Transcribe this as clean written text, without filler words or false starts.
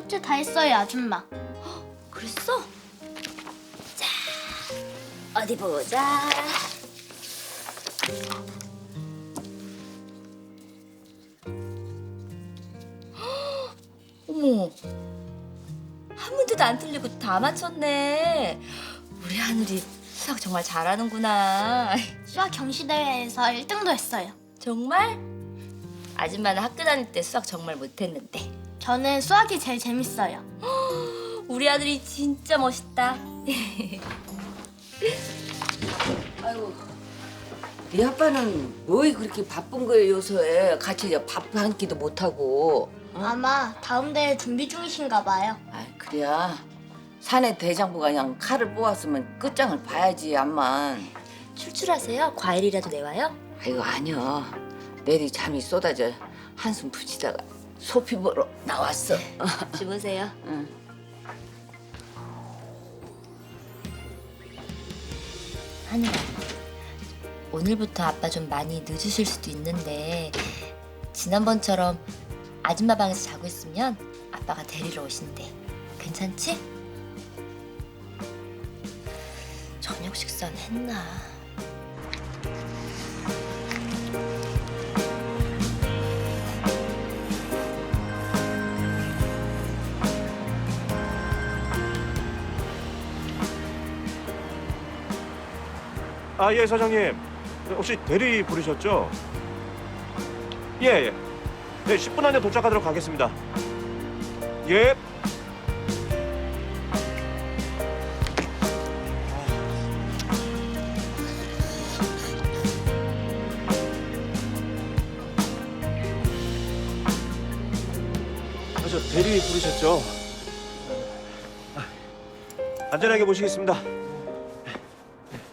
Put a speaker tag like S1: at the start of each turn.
S1: 숙제 다 했어요, 아줌마.
S2: 그랬어? 자, 어디 보자. 어머, 한 문제도 안 틀리고 다 맞췄네. 우리 하늘이 수학 정말 잘하는구나.
S1: 수학 경시대회에서 1등도 했어요.
S2: 정말? 아줌마는 학교 다닐 때 수학 정말 못했는데.
S1: 저는 수학이 제일 재밌어요.
S2: 우리 아들이 진짜 멋있다.
S3: 아이고, 네 아빠는 뭐이 그렇게 바쁜 거예요, 요새? 같이 밥 한 끼도 못 하고.
S1: 아마 다음 대회 준비 중이신가 봐요.
S3: 아, 그래야 사내 대장부가 그냥 칼을 뽑았으면 끝장을 봐야지, 암만.
S2: 출출하세요? 과일이라도 내와요?
S3: 아이고, 아니요. 내리 잠이 쏟아져 한숨 붙이다가 소피 보러 나왔어.
S2: 주무세요.
S3: 응.
S2: 하늘아, 오늘부터 아빠 좀 많이 늦으실 수도 있는데 지난번처럼 아줌마 방에서 자고 있으면 아빠가 데리러 오신대. 괜찮지? 저녁 식사는 했나?
S4: 아, 예, 사장님. 혹시 대리 부르셨죠? 예, 예. 네, 10분 안에 도착하도록 하겠습니다. 예. 아, 저 대리 부르셨죠? 안전하게 모시겠습니다.